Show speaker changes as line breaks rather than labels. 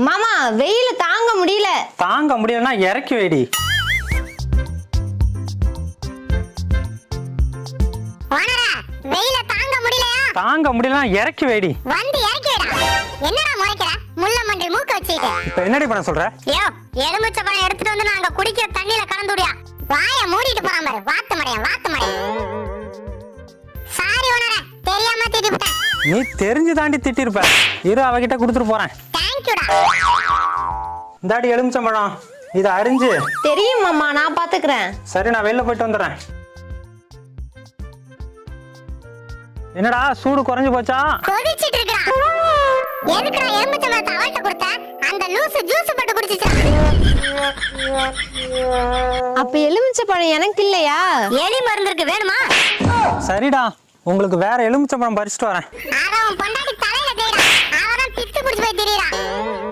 மாமா வெயில தாங்க முடியல.
தாங்க முடியலன்னா இறக்கி வைடி.
ஓனரா வெயில தாங்க முடியலையா?
தாங்க முடியலன்னா இறக்கி வைடி.
வந்து இறக்கி வைடா. என்னடா முறைக்கிற? முள்ள மண்டில் மூக்க வச்சிட்டு.
இப்ப என்னடி பண்ண சொல்ற?
யோ எலுமிச்சை பழம் எடுத்துட்டு வந்து நாங்க குடிக்கிற தண்ணியில கலந்துடியா. வாய மூடிட்டு போறான் பாரு. வாத்து மடையா. சாரி ஓனரா, தெரியாம திட்டிட்டேன்.
நீ தெரிஞ்சு தாண்டி திட்டிருப்ப. இரு அவகிட்ட கொடுத்துட்டு போறேன்.
தேங்க்யூடா.
இந்தாடி எலுமிச்சம்பழம், இதை அரிஞ்சு.
தெரியும் மாமா, நான் பாத்துக்கிறேன்.
சரி, நான் வெளில போயிட்டு வந்துடுறேன். என்னடா சூடு குறைஞ்சு போச்சா?
கொதிச்சிட்டு இருக்கா? எதுக்குடா எலுமிச்சை பழத்தை அவள்கிட்ட கொடுத்த? அந்த லூசு ஜூஸ் போட்டு குடிச்சிச்சா?
அப்ப எலுமிச்சை பழம் எனக்கு இல்லையா?
எலி மருந்துக்கு வேணுமா?
சரிடா, உங்களுக்கு வேற எலுமிச்சம்பழம் பறிச்சுட்டு வரேன்.
அத உன் பொண்டாட்டி தலையில தேய்டா. அவதான் பித்து குடிச்சு போய் திரியறா.